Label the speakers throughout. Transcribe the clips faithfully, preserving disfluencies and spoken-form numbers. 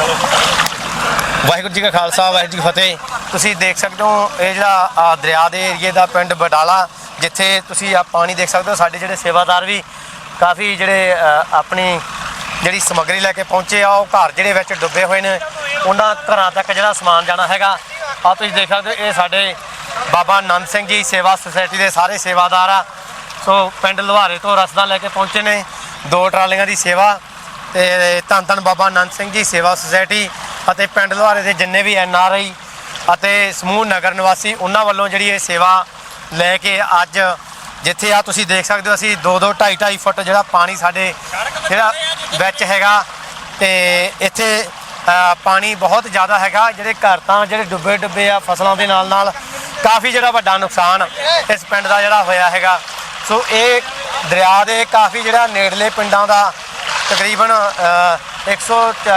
Speaker 1: ਵਾਹਿਗੁਰੂ ਜੀ ਕਾ ਖਾਲਸਾ ਵਾਹਿਗੁਰੂ ਜੀ ਕੀ ਫਤਿਹ। ਤੁਸੀਂ ਦੇਖ ਸਕਦੇ ਹੋ ਇਹ ਜਿਹੜਾ ਦਰਿਆ ਦੇ ਏਰੀਏ ਦਾ ਪਿੰਡ ਬਡਾਲਾ, ਜਿੱਥੇ ਤੁਸੀਂ ਆ ਪਾਣੀ ਦੇਖ ਸਕਦੇ ਹੋ। ਸਾਡੇ ਜਿਹੜੇ ਸੇਵਾਦਾਰ ਵੀ ਕਾਫੀ ਜਿਹੜੇ ਆਪਣੀ ਜਿਹੜੀ ਸਮੱਗਰੀ ਲੈ ਕੇ ਪਹੁੰਚੇ ਆ, ਉਹ ਘਰ ਜਿਹੜੇ ਵਿੱਚ ਡੁੱਬੇ ਹੋਏ ਨੇ ਉਹਨਾਂ ਘਰਾਂ ਤੱਕ ਜਿਹੜਾ ਸਮਾਨ ਜਾਣਾ ਹੈਗਾ। ਆ ਤੁਸੀਂ ਦੇਖ ਸਕਦੇ ਹੋ ਇਹ ਸਾਡੇ ਬਾਬਾ ਨੰਦ ਸਿੰਘ ਜੀ ਸੇਵਾ ਸੁਸਾਇਟੀ ਦੇ ਸਾਰੇ ਸੇਵਾਦਾਰ ਆ। ਸੋ ਪਿੰਡ ਲੁਹਾਰੇ ਤੋਂ ਰਸਦਾਂ ਲੈ ਕੇ ਪਹੁੰਚੇ ਨੇ, ਦੋ ਟਰਾਲੀਆਂ ਦੀ ਸੇਵਾ। ਤੇ ਧੰਨ ਧੰਨ ਬਾਬਾ ਨੰਦ ਸਿੰਘ ਜੀ ਸੇਵਾ ਸੁਸਾਇਟੀ ਅਤੇ ਪਿੰਡ ਲੁਹਾਰੇ ਦੇ ਜਿੰਨੇ ਵੀ ਐਨ ਆਰ ਆਈ ਅਤੇ ਸਮੂਹ ਨਗਰ ਨਿਵਾਸੀ, ਉਹਨਾਂ ਵੱਲੋਂ ਜਿਹੜੀ ਇਹ ਸੇਵਾ ਲੈ ਕੇ ਅੱਜ ਜਿੱਥੇ ਆ ਤੁਸੀਂ ਦੇਖ ਸਕਦੇ ਹੋ, ਅਸੀਂ ਦੋ ਦੋ ਢਾਈ ਢਾਈ ਫੁੱਟ ਜਿਹੜਾ ਪਾਣੀ ਸਾਡੇ ਜਿਹੜਾ ਵਿੱਚ ਹੈਗਾ। ਤੇ ਇੱਥੇ ਪਾਣੀ ਬਹੁਤ ਜ਼ਿਆਦਾ ਹੈਗਾ। ਜਿਹੜੇ ਘਰ ਤਾਂ ਜਿਹੜੇ ਡੁੱਬੇ ਡੁੱਬੇ ਆ, ਫਸਲਾਂ ਦੇ ਨਾਲ ਨਾਲ ਕਾਫੀ ਜਿਹੜਾ ਵੱਡਾ ਨੁਕਸਾਨ ਇਸ ਪਿੰਡ ਦਾ ਜਿਹੜਾ ਹੋਇਆ ਹੈਗਾ। ਸੋ ਇਹ ਦਰਿਆ ਦੇ ਕਾਫੀ ਜਿਹੜਾ ਨੇੜਲੇ ਪਿੰਡਾਂ ਦਾ ਤਕਰੀਬਨ ਇੱਕ ਸੌ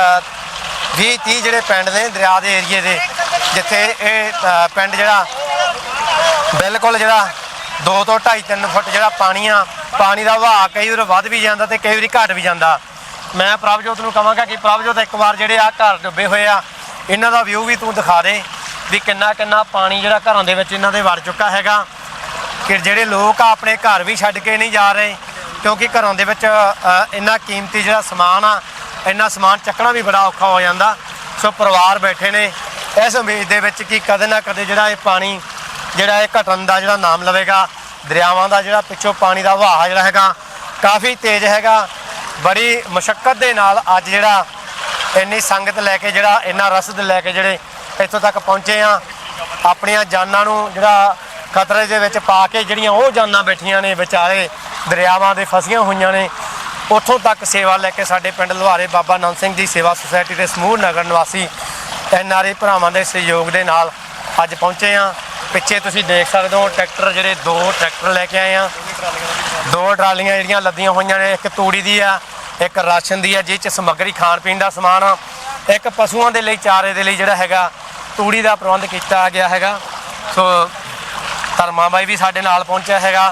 Speaker 1: ਵੀਹ ਤੀਹ ਜਿਹੜੇ ਪਿੰਡ ਨੇ ਦਰਿਆ ਦੇ ਏਰੀਏ ਦੇ, ਜਿੱਥੇ ਇਹ ਪਿੰਡ ਜਿਹੜਾ ਬਿਲਕੁਲ ਜਿਹੜਾ ਦੋ ਤੋਂ ਢਾਈ ਤਿੰਨ ਫੁੱਟ ਜਿਹੜਾ ਪਾਣੀ ਆ, ਪਾਣੀ ਦਾ ਵਹਾਅ ਕਈ ਵਾਰ ਵੱਧ ਵੀ ਜਾਂਦਾ ਤੇ ਕਈ ਵਾਰੀ ਘਟ ਵੀ ਜਾਂਦਾ। ਮੈਂ ਪ੍ਰਭਜੋਤ ਨੂੰ ਕਹਾਂਗਾ ਕਿ ਪ੍ਰਭਜੋਤ ਇੱਕ ਵਾਰ ਜਿਹੜੇ ਆ ਘਰ ਡੁੱਬੇ ਹੋਏ ਆ, ਇਹਨਾਂ ਦਾ ਵਿਊ ਵੀ ਤੂੰ ਦਿਖਾ ਦੇ ਵੀ ਕਿੰਨਾ ਕਿੰਨਾ ਪਾਣੀ ਜਿਹੜਾ ਘਰਾਂ ਦੇ ਵਿੱਚ ਇਹਨਾਂ ਦੇ ਵੜ ਚੁੱਕਾ ਹੈਗਾ। ਕਿ ਜਿਹੜੇ ਲੋਕ ਆ ਆਪਣੇ ਘਰ ਵੀ ਛੱਡ ਕੇ ਨਹੀਂ ਜਾ ਰਹੇ, ਕਿਉਂਕਿ ਘਰਾਂ ਦੇ ਵਿੱਚ ਇੰਨਾ ਕੀਮਤੀ ਜਿਹੜਾ ਸਮਾਨ ਆ, ਇੰਨਾ ਸਮਾਨ ਚੱਕਣਾ ਵੀ ਬੜਾ ਔਖਾ ਹੋ ਜਾਂਦਾ। ਸੋ ਪਰਿਵਾਰ ਬੈਠੇ ਨੇ ਇਸ ਉਮੀਦ ਦੇ ਵਿੱਚ ਕਿ ਕਦੇ ਨਾ ਕਦੇ ਜਿਹੜਾ ਇਹ ਪਾਣੀ ਜਿਹੜਾ ਇਹ ਘਟਣ ਦਾ ਜਿਹੜਾ ਨਾਮ ਲਵੇਗਾ। ਦਰਿਆਵਾਂ ਦਾ ਜਿਹੜਾ ਪਿੱਛੋਂ ਪਾਣੀ ਦਾ ਵਹਾਅ ਜਿਹੜਾ ਹੈਗਾ ਕਾਫੀ ਤੇਜ਼ ਹੈਗਾ। ਬੜੀ ਮੁਸ਼ੱਕਤ ਦੇ ਨਾਲ ਅੱਜ ਜਿਹੜਾ ਇੰਨੀ ਸੰਗਤ ਲੈ ਕੇ ਜਿਹੜਾ ਇੰਨਾ ਰਸਦ ਲੈ ਕੇ ਜਿਹੜੇ ਇੱਥੋਂ ਤੱਕ ਪਹੁੰਚੇ ਆ, ਆਪਣੀਆਂ ਜਾਨਾਂ ਨੂੰ ਜਿਹੜਾ ਖਤਰੇ ਦੇ ਵਿੱਚ ਪਾ ਕੇ ਜਿਹੜੀਆਂ ਉਹ ਜਾਨਾਂ ਬੈਠੀਆਂ ਨੇ ਵਿਚਾਰੇ ਦਰਿਆਵਾਂ ਦੇ ਫਸੀਆਂ ਹੋਈਆਂ ਨੇ, ਉੱਥੋਂ ਤੱਕ ਸੇਵਾ ਲੈ ਕੇ ਸਾਡੇ ਪਿੰਡ ਲੁਹਾਰੇ ਬਾਬਾ ਨੰਦ ਸਿੰਘ ਜੀ ਸੇਵਾ ਸੁਸਾਇਟੀ ਦੇ ਸਮੂਹ ਨਗਰ ਨਿਵਾਸੀ ਐਨ ਆਰ ਆਈ ਭਰਾਵਾਂ ਦੇ ਸਹਿਯੋਗ ਦੇ ਨਾਲ ਅੱਜ ਪਹੁੰਚੇ ਆ। ਪਿੱਛੇ ਤੁਸੀਂ ਦੇਖ ਸਕਦੇ ਹੋ ਟਰੈਕਟਰ ਜਿਹੜੇ ਦੋ ਟਰੈਕਟਰ ਲੈ ਕੇ ਆਏ ਆ, ਦੋ ਟਰਾਲੀਆਂ ਜਿਹੜੀਆਂ ਲੱਦੀਆਂ ਹੋਈਆਂ ਨੇ, ਇੱਕ ਤੂੜੀ ਦੀ ਆ, ਇੱਕ ਰਾਸ਼ਨ ਦੀ ਆ, ਜਿਸ 'ਚ ਸਮੱਗਰੀ ਖਾਣ ਪੀਣ ਦਾ ਸਮਾਨ ਆ, ਇੱਕ ਪਸ਼ੂਆਂ ਦੇ ਲਈ ਚਾਰੇ ਦੇ ਲਈ ਜਿਹੜਾ ਹੈਗਾ ਤੂੜੀ ਦਾ ਪ੍ਰਬੰਧ ਕੀਤਾ ਗਿਆ ਹੈਗਾ। ਸੋ ਧਰਮਾ ਬਾਈ ਵੀ ਸਾਡੇ ਨਾਲ ਪਹੁੰਚਿਆ ਹੈਗਾ।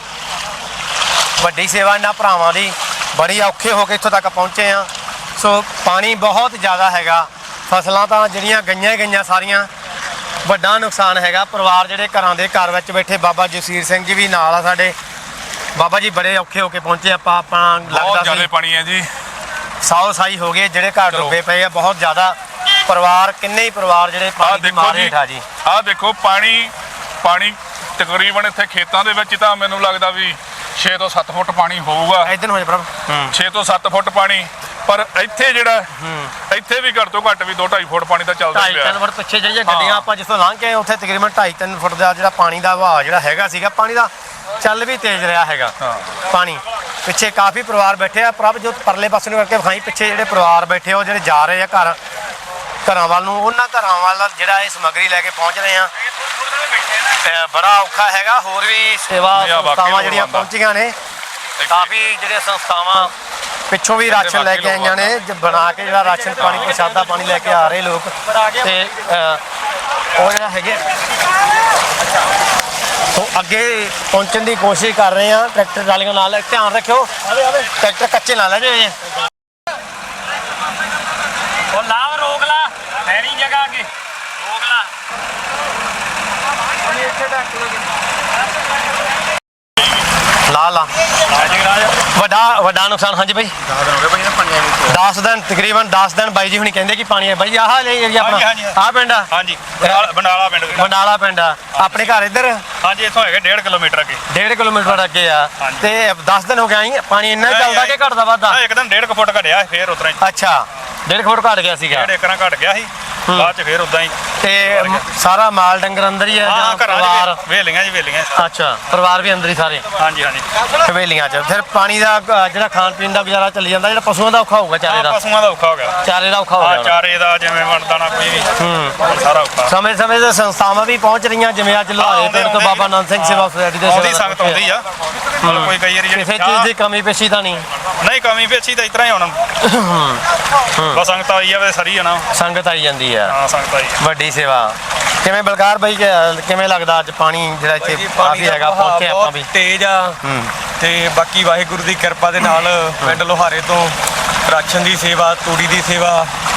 Speaker 1: ਵੱਡੀ ਸੇਵਾ ਇਹਨਾਂ ਭਰਾਵਾਂ ਦੀ, ਬੜੀ ਔਖੇ ਹੋ ਕੇ ਇੱਥੋਂ ਤੱਕ ਪਹੁੰਚੇ ਆ। ਸੋ ਪਾਣੀ ਬਹੁਤ ਜ਼ਿਆਦਾ ਹੈਗਾ, ਫਸਲਾਂ ਤਾਂ ਜਿਹੜੀਆਂ ਗਈਆਂ ਹੀ ਗਈਆਂ ਸਾਰੀਆਂ, ਵੱਡਾ ਨੁਕਸਾਨ ਹੈਗਾ। ਪਰਿਵਾਰ ਜਿਹੜੇ ਘਰਾਂ ਦੇ ਘਰ ਵਿੱਚ ਬੈਠੇ, ਬਾਬਾ ਜਸਵੀਰ ਸਿੰਘ ਜੀ ਵੀ ਨਾਲ ਆ ਸਾਡੇ। ਬਾਬਾ ਜੀ ਬੜੇ ਔਖੇ ਹੋ ਕੇ ਪਹੁੰਚੇ ਆਪਾਂ ਆਪਾਂ ਲੱਗਦਾ ਸੀ
Speaker 2: ਪਾਣੀ ਹੈ ਜੀ,
Speaker 1: ਸਾਓ ਸਾਈ ਹੋ ਗਏ, ਜਿਹੜੇ ਘਰ ਡੁੱਬੇ ਪਏ ਆ ਬਹੁਤ ਜ਼ਿਆਦਾ। ਪਰਿਵਾਰ ਕਿੰਨੇ ਹੀ ਪਰਿਵਾਰ ਜਿਹੜੇ ਪਾਣੀ ਦੀ ਮਾਰ ਹੇਠ ਆ ਜੀ।
Speaker 2: ਆਹ ਦੇਖੋ ਪਾਣੀ ਪਾਣੀ ਤਕਰੀਬਨ ਇੱਥੇ ਖੇਤਾਂ ਦੇ ਵਿੱਚ ਤਾਂ ਮੈਨੂੰ ਲੱਗਦਾ ਵੀ ਛੇ ਤੋਂ ਸੱਤ ਫੁੱਟ ਪਾਣੀ ਹੋਊਗਾ।
Speaker 1: ਇਦਾਂ ਹੋ ਜਾ ਪ੍ਰਭ
Speaker 2: ਛੇ ਤੋਂ ਸੱਤ ਫੁੱਟ ਪਾਣੀ, ਪਰ ਇੱਥੇ ਜਿਹੜਾ ਇੱਥੇ ਵੀ ਘੱਟ ਤੋਂ ਘੱਟ ਵੀ ਦੋ ਢਾਈ ਫੁੱਟ ਪਾਣੀ ਤਾਂ ਚੱਲਦਾ ਪਿਆ।
Speaker 1: ਢਾਈ ਤਿੰਨ ਫੁੱਟ ਪਿੱਛੇ ਜਿਹੜੀਆਂ ਗੱਡੀਆਂ ਆਪਾਂ ਜਿੱਥੋਂ ਲੰਘ ਕੇ ਉੱਥੇ ਤਕਰੀਬਨ ਢਾਈ ਤਿੰਨ ਫੁੱਟ ਦਾ ਜਿਹੜਾ ਪਾਣੀ ਦਾ ਵਹਾਅ ਜਿਹੜਾ ਹੈਗਾ ਸੀਗਾ। ਪਾਣੀ ਦਾ ਚੱਲ ਵੀ ਤੇਜ਼ ਰਿਹਾ ਹੈਗਾ ਪਾਣੀ। ਪਿੱਛੇ ਕਾਫੀ ਪਰਿਵਾਰ ਬੈਠੇ ਆ। ਪ੍ਰਭ ਜੋ ਪਰਲੇ ਪਾਸੇ ਨੂੰ ਕਰਕੇ ਵਿਖਾਈ, ਪਿੱਛੇ ਜਿਹੜੇ ਪਰਿਵਾਰ ਬੈਠੇ ਉਹ ਜਿਹੜੇ ਜਾ ਰਹੇ ਆ ਘਰ ਘਰਾਂ ਵੱਲ ਨੂੰ, ਉਹਨਾਂ ਘਰਾਂ ਵੱਲ ਜਿਹੜਾ ਇਹ ਸਮੱਗਰੀ ਲੈ ਕੇ ਪਹੁੰਚ ਰਹੇ ਆ। ਬੜਾ ਔਖਾ ਹੈਗਾ। ਹੋਰ ਵੀ ਸੇਵਾ ਸੰਸਥਾਵਾਂ ਜਿਹੜੀਆਂ ਪਹੁੰਚੀਆਂ ਨੇ, ਕਾਫੀ ਜਿਹੜੇ ਸੰਸਥਾਵਾਂ ਪਿੱਛੋਂ ਵੀ ਰਾਸ਼ਨ ਲੈ ਕੇ ਆਈਆਂ ਨੇ, ਬਣਾ ਕੇ ਜਿਹੜਾ ਰਾਸ਼ਨ ਪਾਣੀ ਪ੍ਰਸ਼ਾਦਾ ਪਾਣੀ ਲੈ ਕੇ ਆ ਰਹੇ ਲੋਕ। ਤੇ ਉਹ ਜਿਹੜਾ ਹੈਗੇ ਉਹ ਅੱਗੇ ਪਹੁੰਚਣ ਦੀ ਕੋਸ਼ਿਸ਼ ਕਰ ਰਹੇ ਆ ਟਰੈਕਟਰ ਟਰਾਲੀਆਂ ਨਾਲ। ਧਿਆਨ ਰੱਖਿਓ ਟਰੈਕਟਰ ਕੱਚੇ ਨਾ ਲੈ ਜਾਏ।
Speaker 3: ਉਹ ਲਾਵ ਰੋਕ ਲਾ, ਹੈਰੀ ਜਗ੍ਹਾ ਅੱਗੇ ਰੋਕ ਲਾ।
Speaker 1: ਲਾ ਲਾ ਵੱਡਾ ਵੱਡਾ ਨੁਕਸਾਨ। ਹਾਂਜੀ ਬਾਈ ਦਸ ਦਿਨ ਤਕਰੀਬਨ ਦਸ ਦਿਨ ਬਾਈ ਜੀ ਹੁਣੀ ਕਹਿੰਦੇ ਕਿ ਪਾਣੀ ਹੈ। ਬਾਈ ਆਹ ਏਰੀਆ ਆਪਣਾ ਆਹ ਪਿੰਡ ਆ?
Speaker 3: ਹਾਂਜੀ ਬੰਡਾਲਾ ਪਿੰਡ।
Speaker 1: ਬੰਡਾਲਾ ਪਿੰਡ ਆ ਆਪਣੇ ਘਰ ਇੱਧਰ?
Speaker 3: ਹਾਂਜੀ ਇੱਥੋਂ ਹੈਗੇ ਡੇਢ ਕਿਲੋਮੀਟਰ ਅੱਗੇ।
Speaker 1: ਡੇਢ ਕਿਲੋਮੀਟਰ ਅੱਗੇ ਆ। ਤੇ ਦਸ ਦਿਨ ਹੋ ਗਏ ਪਾਣੀ ਇੰਨਾ ਚੱਲਦਾ ਕਿ ਘਟਦਾ ਵੱਧਦਾ?
Speaker 3: ਇੱਕ ਦਿਨ ਡੇਢ ਕੁ ਫੁੱਟ ਘਟਿਆ, ਫੇਰ ਉਤਰਾ ਹੀ।
Speaker 1: ਅੱਛਾ ਡੇਢ ਫੁੱਟ ਘਟ ਗਿਆ ਸੀਗਾ,
Speaker 3: ਡੇਢ ਏਕੜਾਂ ਘਟ ਗਿਆ ਸੀ, ਬਾਅਦ ਚ ਫੇਰ ਉਦਾਂ ਹੀ।
Speaker 1: ਤੇ ਸਾਰਾ ਮਾਲ ਡੰਗਰ ਅੰਦਰ ਹੀ ਹੈ ਜਾਂ ਪਰਿਵਾਰ?
Speaker 3: ਵੇਲੀਆਂ ਜੀ ਵੇਲੀਆਂ।
Speaker 1: ਅੱਛਾ ਪਰਿਵਾਰ ਵੀ ਅੰਦਰ ਹੀ ਸਾਰੇ?
Speaker 3: ਹਾਂਜੀ ਹਾਂਜੀ
Speaker 1: ਹਵੇਲੀਆਂ 'ਚ। ਫਿਰ ਪਾਣੀ ਦਾ ਜਿਹੜਾ ਖਾਣ ਪੀਣ ਦਾ ਗੁਜ਼ਾਰਾ ਚੱਲੀ ਜਾਂਦਾ, ਜਿਹੜਾ ਪਸ਼ੂਆਂ ਦਾ ਔਖਾ ਹੋਊਗਾ? ਚਾਰੇ ਦਾ
Speaker 3: ਪਸ਼ੂਆਂ ਦਾ ਔਖਾ ਹੋ ਗਿਆ,
Speaker 1: ਚਾਰੇ ਦਾ ਔਖਾ ਹੋ ਗਿਆ।
Speaker 3: ਚਾਰੇ ਦਾ ਜਿਵੇਂ ਵੰਡਦਾ ਨਾ ਕੋਈ ਵੀ, ਸਾਰਾ ਔਖਾ।
Speaker 1: ਸਮੇਂ ਸਮੇਂ ਤੇ ਸੰਸਥਾਵਾਂ ਵੀ ਪਹੁੰਚ ਰਹੀਆਂ, ਜਿਵੇਂ ਅੱਜ ਲੁਹਾਰੇ ਪਿੰਡ ਤੋਂ ਬਾਬਾ ਨੰਦ ਸਿੰਘ ਸੇਵਾ ਸੁਸਾਇਟੀ ਦੇ
Speaker 3: ਉਹਦੀ ਸੰਗਤ ਆਉਂਦੀ ਆ। ਕੋਈ ਕਈ ਵਾਰੀ
Speaker 1: ਕਿਸੇ ਚੀਜ਼ ਦੀ ਕਮੀ ਪੇਸ਼ੀ ਤਾਂ ਨਹੀਂ?
Speaker 3: ਨਹੀਂ ਕਮੀ ਪੇਸ਼ੀ ਤਾਂ ਇਸ ਤਰ੍ਹਾਂ ਹੀ ਹੁਣ ਬਸ ਸੰਗਤ ਆਈ ਆ, ਸਰੀ ਆ ਨਾ,
Speaker 1: ਸੰਗਤ ਆਈ ਜਾਂਦੀ ਆ।
Speaker 3: ਹਾਂ ਸੰਗਤ ਆਈ
Speaker 1: ਵੱਡੀ ਸੇਵਾ। ਕਿਵੇਂ ਬਲਕਾਰ ਬਾਈ ਕਿਵੇਂ ਲੱਗਦਾ ਅੱਜ ਪਾਣੀ ਜਿਹੜਾ ਇੱਥੇ ਕਾਫੀ ਹੈਗਾ ਪਹੁੰਚੇ ਆਪਾਂ ਵੀ?
Speaker 4: ਤੇਜ਼ ਆ ਤੇ ਬਾਕੀ ਵਾਹਿਗੁਰੂ ਦੀ ਕਿਰਪਾ ਦੇ ਨਾਲ ਪਿੰਡ ਲੁਹਾਰੇ ਤੋਂ ਰਾਸ਼ਨ ਦੀ ਸੇਵਾ, ਤੂੜੀ ਦੀ ਸੇਵਾ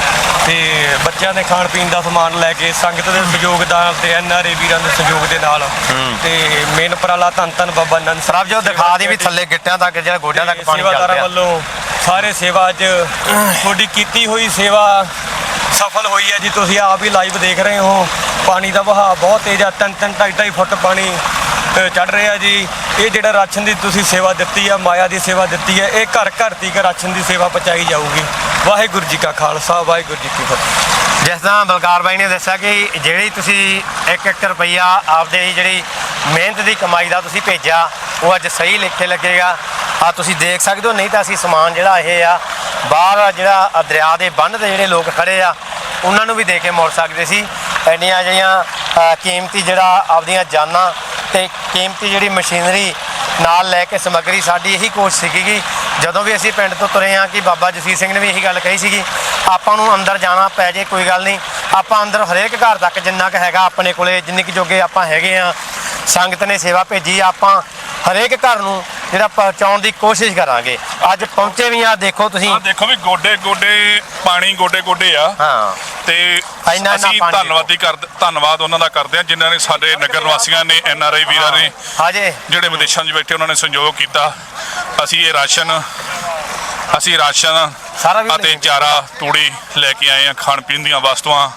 Speaker 4: ਤੇ ਬੱਚਿਆਂ ਦੇ ਖਾਣ ਪੀਣ ਦਾ ਸਮਾਨ ਲੈ ਕੇ ਸੰਗਤ ਦੇ ਸਹਿਯੋਗ ਨਾਲ ਤੇ ਐਨ ਆਰ ਏ ਵੀਰਾਂ ਦੇ ਸਹਿਯੋਗ ਦੇ ਨਾਲ ਤੇ ਮੇਨ ਉਪਰਾਲਾ ਧੰਨ ਧੰਨ ਬਾਬਾ ਨੰਦ
Speaker 1: ਪ੍ਰਭ ਜੋਤ ਦਿਖਾ ਦੀ ਵੀ ਥੱਲੇ ਗਿੱਟਿਆਂ ਤੱਕ ਜਿਹੜਾ ਗੋਡਿਆਂ ਤੱਕ ਪਾਣੀ ਚੱਲ
Speaker 4: ਸੇਵਾਦਾਰਾਂ
Speaker 1: ਰਿਹਾ।
Speaker 4: ਵੱਲੋਂ ਸਾਰੇ ਸੇਵਾ 'ਚ ਤੁਹਾਡੀ ਕੀਤੀ ਹੋਈ ਸੇਵਾ ਸਫਲ ਹੋਈ ਹੈ ਜੀ। ਤੁਸੀਂ ਆਪ ਹੀ ਲਾਈਵ ਦੇਖ ਰਹੇ ਹੋ ਪਾਣੀ ਦਾ ਵਹਾਅ ਬਹੁਤ ਤੇਜ਼ ਆ, ਤਿੰਨ ਤਿੰਨ ਢਾਈ ਢਾਈ ਫੁੱਟ ਪਾਣੀ ਚੜ ਰਿਹਾ ਜੀ। ਇਹ ਜਿਹੜਾ ਰਾਸ਼ਨ ਦੀ ਤੁਸੀਂ ਸੇਵਾ ਦਿੱਤੀ ਆ, ਮਾਇਆ ਦੀ ਸੇਵਾ ਦਿੱਤੀ ਹੈ, ਇਹ ਘਰ ਘਰ ਤੀਕ ਰਾਸ਼ਨ ਦੀ ਸੇਵਾ ਪਹੁੰਚਾਈ ਜਾਊਗੀ। ਵਾਹਿਗੁਰੂ ਜੀ ਕਾ ਖਾਲਸਾ, ਵਾਹਿਗੁਰੂ ਜੀ ਕੀ ਫਤਿਹ।
Speaker 1: ਜਿਸ ਤਰ੍ਹਾਂ ਬਲਕਾਰ ਬਾਈ ਨੇ ਦੱਸਿਆ ਕਿ ਜਿਹੜੀ ਤੁਸੀਂ ਇੱਕ ਇੱਕ ਰੁਪਈਆ ਆਪਦੇ ਜਿਹੜੀ ਮਿਹਨਤ ਦੀ ਕਮਾਈ ਦਾ ਤੁਸੀਂ ਭੇਜਿਆ ਉਹ ਅੱਜ ਸਹੀ ਲਿਖੇ ਲੱਗੇਗਾ। ਆ ਤੁਸੀਂ ਦੇਖ ਸਕਦੇ ਹੋ, ਨਹੀਂ ਤਾਂ ਅਸੀਂ ਸਮਾਨ ਜਿਹੜਾ ਇਹ ਆ ਬਾਹਰ ਜਿਹੜਾ ਦਰਿਆ ਦੇ ਬੰਨ੍ਹ ਤੇ ਜਿਹੜੇ ਲੋਕ ਖੜੇ ਆ ਉਹਨਾਂ ਨੂੰ ਵੀ ਦੇ ਕੇ ਮੁੜ ਸਕਦੇ ਸੀ। ਇੰਨੀਆਂ ਜਿਹੜੀਆਂ ਕੀਮਤੀ ਜਿਹੜਾ ਆਪਦੀਆਂ ਜਾਨਾਂ ਤੇ ਕੀਮਤੀ ਜਿਹੜੀ ਮਸ਼ੀਨਰੀ ਨਾਲ ਲੈ ਕੇ ਸਮੱਗਰੀ, ਸਾਡੀ ਇਹੀ ਕੋਸ਼ਿਸ਼ ਸੀਗੀ ਕਿ ਜਦੋਂ ਵੀ ਅਸੀਂ ਪਿੰਡ ਤੋਂ ਤੁਰੇ ਹਾਂ ਕਿ ਬਾਬਾ ਜਸੀਰ ਸਿੰਘ ਨੇ ਵੀ ਇਹੀ ਗੱਲ ਕਹੀ ਸੀਗੀ, ਆਪਾਂ ਨੂੰ ਅੰਦਰ ਜਾਣਾ ਪੈ ਜੇ ਕੋਈ ਗੱਲ ਨਹੀਂ, ਆਪਾਂ ਅੰਦਰ ਹਰੇਕ ਘਰ ਤੱਕ ਜਿੰਨਾ ਕੁ ਹੈਗਾ ਆਪਣੇ ਕੋਲੇ, ਜਿੰਨੇ ਕੁ ਜੋਗੇ ਆਪਾਂ ਹੈਗੇ ਆ, ਸੰਗਤ ਨੇ ਸੇਵਾ ਭੇਜੀ, ਆਪਾਂ ਹਰੇਕ ਘਰ ਨੂੰ ਜਿਹੜਾ ਪਹੁੰਚਾਉਣ ਦੀ ਕੋਸ਼ਿਸ਼ ਕਰਾਂਗੇ। ਅੱਜ ਪਹੁੰਚੇ ਵੀ ਆ, ਦੇਖੋ ਤੁਸੀਂ,
Speaker 2: ਆ ਦੇਖੋ ਵੀ ਗੋਡੇ ਗੋਡੇ ਪਾਣੀ ਗੋਡੇ ਗੋਡੇ ਆ।
Speaker 1: ਹਾਂ
Speaker 2: ਤੇ
Speaker 1: ਇੰਨਾ
Speaker 2: ਅਸੀਂ
Speaker 1: ਪਾਣੀ
Speaker 2: ਧੰਨਵਾਦੀ ਕਰ ਧੰਨਵਾਦ ਉਹਨਾਂ ਦਾ ਕਰਦੇ ਹਾਂ ਜਿਨ੍ਹਾਂ ਨੇ ਸਾਡੇ ਨਗਰ ਨਿਵਾਸੀਆਂ ਨੇ, ਐਨ ਆਰ ਆਈ ਵੀਰਾਂ ਨੇ,
Speaker 1: ਹਾਜੇ
Speaker 2: ਜਿਹੜੇ ਵਿਦੇਸ਼ਾਂ 'ਚ ਬੈਠੇ ਉਹਨਾਂ ਨੇ ਸਹਿਯੋਗ ਕੀਤਾ। ਅਸੀਂ ਇਹ ਰਾਸ਼ਨ ਅਸੀਂ ਰਾਸ਼ਨ
Speaker 1: ਸਾਰਾ ਵੀ
Speaker 2: ਅਤੇ ਚਾਰਾ ਤੂੜੀ ਲੈ ਕੇ ਆਏ ਹਾਂ, ਖਾਣ ਪੀਣ ਦੀਆਂ ਵਸਤੂਆਂ।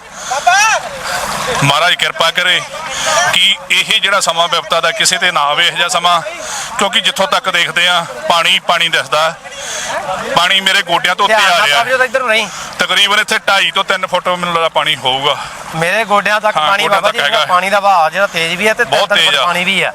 Speaker 2: ਮਹਾਰਾਜ ਕਿਰਪਾ ਕਰੇ ਕਿ ਇਹ ਜਿਹੜਾ ਸਮਾਂ ਵਿਪਤਾ ਦਾ ਕਿਸੇ ਤੇ ਨਾ ਆਵੇ ਇਹੋ ਜਿਹਾ ਸਮਾਂ, ਕਿਉਂਕਿ ਜਿੱਥੋਂ ਤੱਕ ਦੇਖਦੇ ਆ ਪਾਣੀ ਪਾਣੀ ਦਿਸਦਾ, ਪਾਣੀ ਮੇਰੇ ਗੋਡਿਆਂ ਤੋਂ ਉੱਤੇ ਆ ਰਿਹਾ।
Speaker 1: ਇੱਧਰ ਨਹੀਂ,
Speaker 2: ਤਕਰੀਬਨ ਇੱਥੇ ਢਾਈ ਤੋਂ ਤਿੰਨ ਫੁੱਟ ਮੈਨੂੰ ਲੱਗਦਾ ਪਾਣੀ ਹੋਊਗਾ।
Speaker 1: ਮੇਰੇ ਗੋਡਿਆਂ ਤੱਕ
Speaker 2: ਹਾਂ,
Speaker 1: ਪਾਣੀ
Speaker 2: ਗੋਡਿਆਂ
Speaker 1: ਬਾਬਾ
Speaker 2: ਤੱਕ
Speaker 1: ਜੀ,
Speaker 2: ਹੈਗਾ।
Speaker 1: ਪਾਣੀ ਦਾ ਵਹਾਅ ਜਿਹੜਾ ਤੇਜ਼ ਵੀ ਹੈ ਤੇ
Speaker 2: ਬਹੁਤ
Speaker 1: ਤਿੰਨ
Speaker 2: ਤੇਜ਼
Speaker 1: ਫੁੱਟ
Speaker 2: ਆ।
Speaker 1: ਪਾਣੀ ਵੀ ਆ।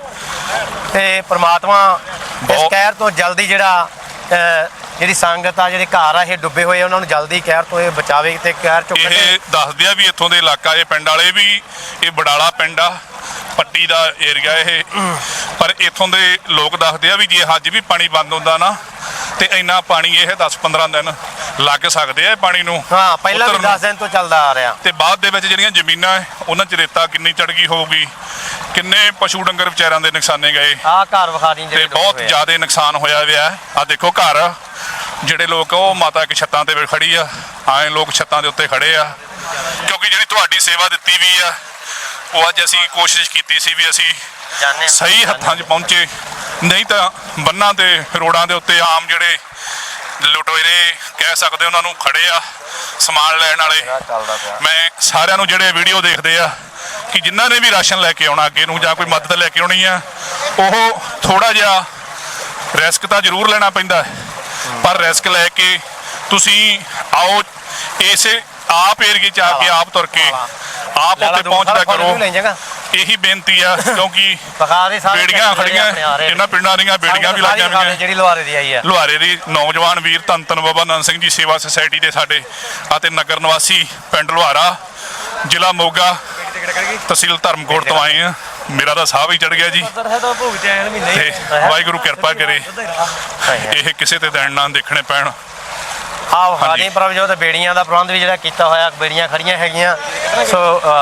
Speaker 1: ਤੇ ਪ੍ਰਮਾਤਮਾ ਇਸ
Speaker 2: ਬਹੁਤ-
Speaker 1: ਕਹਿਰ ਤੋਂ ਜਲਦੀ ਜਿਹੜਾ ਅਹ, ਜਿਹੜੀ ਸੰਗਤ ਆ, ਜਿਹੜੇ ਘਰ ਆ ਇਹ ਡੁੱਬੇ ਹੋਏ, ਉਹਨਾਂ ਨੂੰ ਜਲਦੀ ਕਹਿਰ ਤੋਂ ਇਹ ਬਚਾਵੇ ਤੇ ਕਹਿਰ ਚੋਂ ਕੱਢੇ।
Speaker 2: ਇਹ ਦੱਸਦੇ ਆ ਵੀ ਇੱਥੋਂ ਦੇ ਇਲਾਕਾ, ਇਹ ਪਿੰਡ ਵਾਲੇ ਵੀ, ਇਹ ਬਡਾਲਾ ਪਿੰਡ ਆ, ਪੱਟੀ ਦਾ ਏਰੀਆ ਇਹ, ਪਰ ਇੱਥੋਂ ਦੇ ਲੋਕ ਦੱਸਦੇ ਆ ਵੀ ਜੇ ਅੱਜ ਵੀ ਪਾਣੀ ਬੰਦ ਹੁੰਦਾ ਨਾ ਤੇ ਇੰਨਾ ਪਾਣੀ ਇਹ ਦਸ ਪੰਦਰਾਂ ਦਿਨ ਲੱਗ ਸਕਦੇ ਆ ਇਹ ਪਾਣੀ ਨੂੰ।
Speaker 1: ਹਾਂ, ਪਹਿਲਾਂ ਵੀ
Speaker 2: ਉਤਰਨ ਨੂੰ।
Speaker 1: ਦਸ ਦਿਨ ਤੋਂ ਚੱਲਦਾ ਆ ਰਿਹਾ।
Speaker 2: ਤੇ ਬਾਅਦ ਦੇ ਵਿੱਚ ਜਿਹੜੀਆਂ ਜ਼ਮੀਨਾਂ ਹੈ, ਉਹਨਾਂ 'ਚ ਰੇਤਾ ਕਿੰਨੀ ਚੜ ਗਈ ਹੋਊਗੀ, ਕਿੰਨੇ ਪਸ਼ੂ ਡੰਗਰ ਵਿਚਾਰਿਆਂ ਦੇ ਨੁਕਸਾਨੇ ਗਏ
Speaker 1: ਆਹ ਘਰ ਵਿਖਾ ਦੀ
Speaker 2: ਤੇ
Speaker 1: ਜਿਹੜੇ
Speaker 2: ਬਹੁਤ
Speaker 1: ਡੁੱਬੇ ਆ।
Speaker 2: ਜ਼ਿਆਦਾ ਨੁਕਸਾਨ ਹੋਇਆ ਹੋਇਆ। ਆ ਦੇਖੋ ਘਰ, ਜਿਹੜੇ ਲੋਕ ਉਹ ਮਾਤਾ ਇੱਕ ਛੱਤਾਂ ਤੇ ਖੜੀ ਆ, ਆਏ ਲੋਕ ਛੱਤਾਂ ਦੇ ਉੱਤੇ ਖੜੇ ਆ, ਕਿਉਂਕਿ ਜਿਹੜੀ ਤੁਹਾਡੀ ਸੇਵਾ ਦਿੱਤੀ ਵੀ ਆ ਉਹ ਅੱਜ ਅਸੀਂ ਕੋਸ਼ਿਸ਼ ਕੀਤੀ ਸੀ ਵੀ ਅਸੀਂ
Speaker 1: ਜਾਣੇ ਹਾਂ।
Speaker 2: ਸਹੀ ਹੱਥਾਂ 'ਚ ਪਹੁੰਚੇ, ਨਹੀਂ ਤਾਂ ਬੰਨਾਂ ਤੇ ਰੋਡਾਂ ਦੇ ਉੱਤੇ ਆਮ ਜਿਹੜੇ ਲੁਟੇਰੇ ਕਹਿ ਸਕਦੇ ਉਹਨਾਂ ਨੂੰ ਖੜੇ ਆ ਸਮਾਨ ਲੈਣ ਵਾਲੇ।
Speaker 1: ਚੱਲਦਾ ਪਿਆ।
Speaker 2: ਮੈਂ ਸਾਰਿਆਂ ਨੂੰ ਜਿਹੜੇ ਵੀਡੀਓ ਦੇਖਦੇ ਆ ਕਿ ਜਿਨ੍ਹਾਂ ਨੇ ਵੀ ਰਾਸ਼ਨ ਲੈ ਕੇ ਆਉਣਾ ਅੱਗੇ ਨੂੰ ਜਾਂ ਕੋਈ ਮਦਦ ਲੈ ਕੇ ਆਉਣੀ ਆ, ਉਹ ਥੋੜਾ ਜਿਹਾ ਰਿਸਕ ਤਾਂ ਜ਼ਰੂਰ ਲੈਣਾ ਪੈਂਦਾ, ਪਰ ਰਿਸਕ ਲੈ ਕੇ ਤੁਸੀਂ ਆਓ, ਇਸੇ ਆਪ ਏਰੀਏ 'ਚ ਆ ਕੇ ਆਪ ਤੁਰ ਕੇ ਆਪ ਉੱਤੇ ਪਹੁੰਚਦਾ ਕਰੋ। ਇਹੀ ਬੇਨਤੀ ਆ, ਕਿਉਂਕਿ ਬੇੜੀਆਂ ਖੜੀਆਂ, ਇਹਨਾਂ ਪਿੰਡਾਂ ਦੀਆਂ ਬੇੜੀਆਂ ਵੀ ਲੱਗ ਜਾਣਗੀਆਂ।
Speaker 1: ਜਿਹੜੀ ਲੁਹਾਰੇ ਦੀ ਆਈ ਆ,
Speaker 2: ਲੁਹਾਰੇ ਦੀ ਨੌਜਵਾਨ ਵੀਰ ਧੰਨ ਧੰਨ ਬਾਬਾ ਨੰਦ ਸਿੰਘ ਜੀ ਸੇਵਾ ਸੁਸਾਇਟੀ ਦੇ ਸਾਡੇ ਅਤੇ ਨਗਰ ਨਿਵਾਸੀ ਪਿੰਡ ਲੁਹਾਰਾ, ਜ਼ਿਲ੍ਹਾ ਮੋਗਾ, ਤਹਿਸੀਲ ਧਰਮਕੋਟ ਤੋਂ ਆਏ ਆ। ਮੇਰਾ ਤਾਂ ਸਾਹ ਵੀ ਚੜ ਗਿਆ ਜੀ। ਤੇ ਵਾਹਿਗੁਰੂ ਕਿਰਪਾ ਕਰੇ ਇਹ ਕਿਸੇ ਤੇ ਦਿਨ ਨਾ ਦੇਖਣੇ ਪੈਣ।
Speaker 1: ਆਹ ਹਾਨੀ ਪ੍ਰਭਜੋਤ ਬੇੜੀਆਂ ਦਾ ਪ੍ਰਬੰਧ ਵੀ ਜਿਹੜਾ ਕੀਤਾ ਹੋਇਆ, ਬੇੜੀਆਂ ਖੜੀਆਂ ਹੈਗੀਆਂ। ਸੋ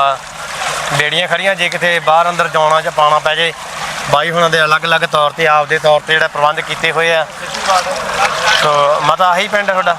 Speaker 1: ਬੇੜੀਆਂ ਖੜੀਆਂ, ਜੇ ਕਿਤੇ ਬਾਹਰ ਅੰਦਰ ਜਾਣਾ ਜਾਂ ਪਾਣਾ ਪੈ ਜੇ, ਬਾਈ ਹੁਣਾਂ ਦੇ ਅਲੱਗ-ਅਲੱਗ ਤੌਰ ਤੇ ਆਪਦੇ ਤੌਰ ਤੇ ਜਿਹੜਾ ਪ੍ਰਬੰਧ ਕੀਤੇ ਹੋਏ ਆ। ਸੋ ਮਤਾ ਆਹੀ ਪਿੰਡ ਤੁਹਾਡਾ?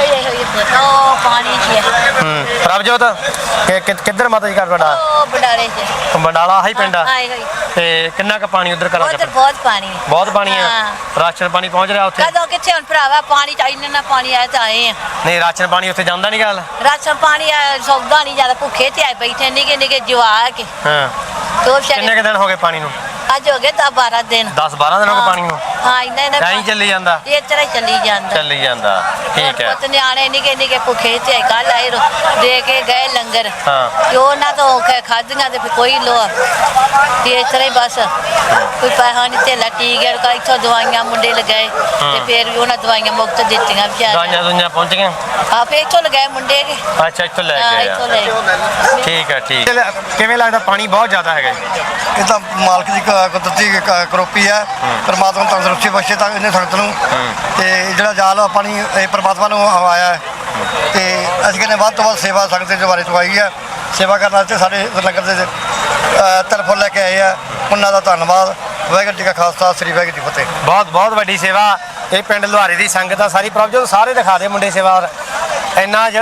Speaker 5: ਉਹ ਪਾਣੀ 'ਚ ਹੈ।
Speaker 1: ਹੂੰ, ਪ੍ਰਭਜੋਤ ਕਿ ਕਿ- ਕਿੱਧਰ ਮਾਤਾ ਜੀ ਘਰ ਤੁਹਾਡਾ?
Speaker 5: ਉਹ ਬਡਾਲੇ 'ਚ
Speaker 1: ਬੰਡਾਲਾ ਆਹੀ ਪਿੰਡ ਆ।
Speaker 5: ਆਏ ਹੋਈ।
Speaker 1: ਤੇ ਕਿੰਨਾ ਕੁ ਪਾਣੀ ਉਧਰ ਕਰਾ
Speaker 5: ਉਧਰ ਬਹੁਤ ਪਾਣੀ ਹੈ।
Speaker 1: ਬਹੁਤ ਪਾਣੀ ਆ।
Speaker 5: ਹਾਂ।
Speaker 1: ਰਾਸ਼ਨ ਪਾਣੀ ਪਹੁੰਚ ਰਿਹਾ ਉੱਥੇ?
Speaker 5: ਕਦੋਂ ਕਿੱਥੇ ਹੁਣ ਭਰਾਵਾ, ਪਾਣੀ ਚ ਇੰਨਾ ਨਾ ਪਾਣੀ ਆਇਆ ਤਾਂ ਆਏ ਆ।
Speaker 1: ਨਹੀਂ, ਰਾਸ਼ਨ ਪਾਣੀ ਉੱਥੇ ਜਾਂਦਾ ਨਹੀਂ ਗੱਲ?
Speaker 5: ਰਾਸ਼ਨ ਪਾਣੀ ਆ, ਸੌਦਾ ਨਹੀਂ ਜ਼ਿਆਦਾ, ਭੁੱਖੇ ਤੇ ਆਏ ਬੈਠੇ ਨਿੱਕੇ ਨਿੱਕੇ ਜਵਾਕ।
Speaker 1: ਹਾਂ,
Speaker 5: ਦੋ
Speaker 1: ਕਿੰਨੇ
Speaker 5: ਵਿਚਾਰੇ
Speaker 1: ਕੁ ਦਿਨ ਹੋ ਗਏ ਪਾਣੀ ਨੂੰ?
Speaker 5: ਅੱਜ ਹੋ ਗਏ ਦਸ ਬਾਰਾਂ ਦਿਨ।
Speaker 1: ਦਸ ਬਾਰਾਂ ਦਿਨ ਹੋ ਗਏ ਪਾਣੀ ਨੂੰ?
Speaker 5: ਹਾਂ, ਇੰਨਾ ਇੰਨਾ
Speaker 1: ਐਂ ਹੀ ਚੱਲੀ ਜਾਂਦਾ?
Speaker 5: ਇਹ ਤਰ੍ਹਾਂ ਹੀ ਚੱਲੀ ਜਾਂਦਾ।
Speaker 1: ਚੱਲੀ ਜਾਂਦਾ, ਠੀਕ ਹੈ।
Speaker 5: ਪੁੱਤ ਨਿਆਣੇ ਨਿੱਕੇ ਨਿੱਕੇ ਭੁੱਖੇ ਤੇ ਆਏ, ਕੱਲ ਆਏ ਰੋ- ਦੇ ਕੇ ਗਏ ਲੰਗਰ।
Speaker 1: ਹਾਂ।
Speaker 5: ਤੇ ਉਹਨਾਂ ਤੋਂ ਖਾਧੀਆਂ ਤੇ ਫਿਰ ਕੋਈ ਲੋ ਤੇ ਇਸ ਤਰ੍ਹਾਂ ਹੀ ਬਸ ਕੋਈ ਪੈਸਾ ਨਹੀਂ ਧੇਲਾ ਟੀਕੇ ਕਾ ਇੱਥੋਂ ਦਵਾਈਆਂ ਮੁੰਡੇ ਲਗਾਏ ਤੇ ਫਿਰ ਵੀ ਉਹਨਾਂ ਦਵਾਈਆਂ ਮੁਫਤ ਦਿੱਤੀਆਂ ਵਿਚਾਰੇ।
Speaker 1: ਦਵਾਈਆਂ ਦੁਈਆਂ ਪਹੁੰਚ ਗਈਆਂ?
Speaker 5: ਆ ਫਿਰ ਇੱਥੋਂ ਲਗਾਏ ਮੁੰਡੇ ਕੇ।
Speaker 1: ਅੱਛਾ, ਇੱਥੋਂ ਲੈ
Speaker 5: ਹਾਂ,
Speaker 1: ਕੇ
Speaker 5: ਇੱਥੋਂ
Speaker 1: ਆਇਆ।
Speaker 5: ਲੈ
Speaker 1: ਠੀਕ ਹੈ, ਠੀਕ। ਕਿਵੇਂ ਲੱਗਦਾ? ਪਾਣੀ ਬਹੁਤ ਜ਼ਿਆਦਾ ਹੈਗਾ ਜੀ?
Speaker 6: ਇਹ ਤਾਂ ਮਾਲਕ ਦੀ ਕ- ਕੁਦਰਤੀ ਕ- ਕਰੋਪੀ ਹੈ। ਪਰਮਾਤਮਾ ਤੰਦਰੁਸਤੀ ਬਖਸ਼ੇ ਤਾਂ ਇਹਨੇ ਸੰਗਤ ਨੂੰ। ਤੇ ਜਿਹੜਾ ਜਾਲ ਪਾਣੀ ਇਹ ਪਰਮਾਤਮਾ ਨੂੰ ਆਇਆ ਹੈ। ਤੇ ਅਸੀਂ ਕਹਿੰਦੇ ਵੱਧ ਤੋਂ ਵੱਧ ਸੇਵਾ ਸੰਗਤ ਦੇ ਦੁਆਰੇ ਤੋਂ ਆਈ ਹੈ। ਸੇਵਾ ਕਰਨ ਵਾਸਤੇ ਸਾਡੇ ਨਗਰ ਦੇ ਤਰਫੋਂ ਲੈ ਕੇ ਆਏ ਆ, ਉਹਨਾਂ ਦਾ ਧੰਨਵਾਦ। ਵਾਹਿਗੁਰੂ ਜੀ ਕਾ ਖਾਲਸਾ, ਸ੍ਰੀ ਵਾਹਿਗੁਰੂ ਜੀ ਕੀ ਫਤਿਹ।
Speaker 1: ਬਹੁਤ ਬਹੁਤ ਵੱਡੀ ਸੇਵਾ ਇਹ ਪਿੰਡ ਲੁਹਾਰੇ ਦੀ ਸੰਗਤ ਆ ਸਾਰੀ। ਪ੍ਰਭਜੋਤ ਸਾਰੇ ਦਿਖਾ ਦੇ ਮੁੰਡੇ ਸੇਵਾ। ਇੰਨਾ ਜਿਹੜਾ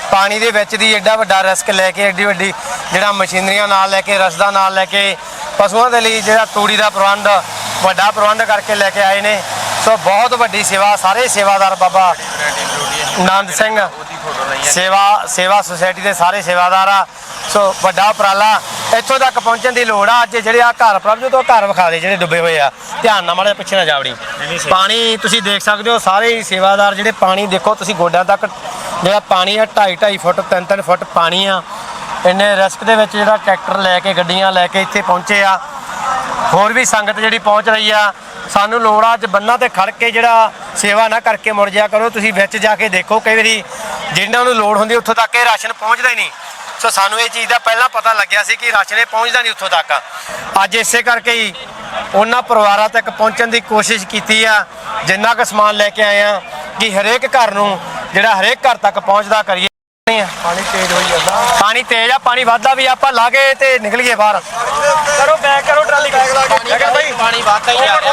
Speaker 1: ਪਾਣੀ ਦੇ ਵਿੱਚ ਦੀ ਐਡਾ ਵੱਡਾ ਰਿਸਕ ਲੈ ਕੇ ਐਡੀ ਵੱਡੀ ਜਿਹੜਾ ਮਸ਼ੀਨਰੀਆਂ ਨਾਲ ਲੈ ਕੇ ਰਸਦਾ ਨਾਲ ਲੈ ਕੇ ਪਸ਼ੂਆਂ ਦੇ ਲਈ ਜਿਹੜਾ ਤੂੜੀ ਦਾ ਪ੍ਰਬੰਧ ਵੱਡਾ ਪ੍ਰਬੰਧ ਕਰਕੇ ਲੈ ਕੇ ਆਏ ਨੇ। ਸੋ ਬਹੁਤ ਵੱਡੀ ਸੇਵਾ, ਸਾਰੇ ਸੇਵਾਦਾਰ ਬਾਬਾ ਆਨੰਦ ਸਿੰਘ ਸੇਵਾ ਸੇਵਾ ਸੁਸਾਇਟੀ ਦੇ ਸਾਰੇ ਸੇਵਾਦਾਰ ਆ। ਸੋ ਵੱਡਾ ਉਪਰਾਲਾ, ਇੱਥੋਂ ਤੱਕ ਪਹੁੰਚਣ ਦੀ ਲੋੜ ਆ। ਅੱਜ ਜਿਹੜੇ ਆ ਘਰ ਪ੍ਰਭਜੋਤ ਤੋਂ ਘਰ ਵਿਖਾ ਦੇ ਜਿਹੜੇ ਡੁੱਬੇ ਹੋਏ ਆ, ਧਿਆਨ ਨਾਲ ਮਾੜਾ ਜਿਹਾ ਪਿੱਛੇ ਨਾ ਜਾਵੜੀ। ਪਾਣੀ ਤੁਸੀਂ ਦੇਖ ਸਕਦੇ ਹੋ, ਸਾਰੇ ਹੀ ਸੇਵਾਦਾਰ ਜਿਹੜੇ ਪਾਣੀ ਦੇਖੋ ਤੁਸੀਂ ਗੋਡਿਆਂ ਤੱਕ ਜਿਹੜਾ ਪਾਣੀ ਆ, ਢਾਈ ਢਾਈ ਫੁੱਟ ਤਿੰਨ ਤਿੰਨ ਫੁੱਟ ਪਾਣੀ ਆ। ਇੰਨੇ ਰਿਸਕ ਦੇ ਵਿੱਚ ਜਿਹੜਾ ਟਰੈਕਟਰ ਲੈ ਕੇ ਗੱਡੀਆਂ ਲੈ ਕੇ ਇੱਥੇ ਪਹੁੰਚੇ ਆ। ਹੋਰ ਵੀ ਸੰਗਤ ਜਿਹੜੀ ਪਹੁੰਚ ਰਹੀ ਆ। ਸਾਨੂੰ ਲੋੜ ਆ ਅੱਜ ਬੰਨਾਂ ਤੇ ਖੜ ਕੇ ਜਿਹੜਾ ਸੇਵਾ ਨਾ ਕਰਕੇ ਮੁੜ ਜਾਇਆ ਕਰੋ। ਤੁਸੀਂ ਵਿੱਚ ਜਾ ਕੇ ਦੇਖੋ, ਕਈ ਵਾਰੀ ਜਿਨ੍ਹਾਂ ਨੂੰ ਲੋੜ ਹੁੰਦੀ ਉੱਥੋਂ ਤੱਕ ਇਹ ਰਾਸ਼ਨ ਪਹੁੰਚਦਾ ਹੀ ਨਹੀਂ। ਸੋ ਸਾਨੂੰ ਇਹ ਚੀਜ਼ ਦਾ ਪਹਿਲਾਂ ਪਤਾ ਲੱਗਿਆ ਸੀ ਕਿ ਰਾਸ਼ਨ ਇਹ ਪਹੁੰਚਦਾ ਨਹੀਂ ਉੱਥੋਂ ਤੱਕ। ਅੱਜ ਇਸੇ ਕਰਕੇ ਹੀ ਉਹਨਾਂ ਪਰਿਵਾਰਾਂ ਤੱਕ ਪਹੁੰਚਣ ਦੀ ਕੋਸ਼ਿਸ਼ ਕੀਤੀ ਆ। ਜਿੰਨਾ ਕੁ ਸਮਾਨ ਲੈ ਕੇ ਆਏ ਆ ਕਿ ਹਰੇਕ ਘਰ ਨੂੰ ਜਿਹੜਾ ਹਰੇਕ ਘਰ ਤੱਕ ਪਹੁੰਚਦਾ ਕਰੀਏ।
Speaker 4: ਪਾਣੀ ਤੇਜ਼ ਹੋਈ ਜਾਂਦਾ,
Speaker 1: ਪਾਣੀ ਤੇਜ਼ ਆ, ਪਾਣੀ ਵੱਧਦਾ ਵੀ, ਆਪਾਂ ਲਾ ਕੇ ਤੇ ਨਿਕਲੀਏ ਬਾਹਰ।
Speaker 4: ਕਰੋ ਬੈਕ ਕਰੋ ਟਰਾਲੀ ਬੈਕ ਲਾ ਕੇ
Speaker 1: ਪਾਣੀ ਵੱਧਦਾ ਹੀ ਆ।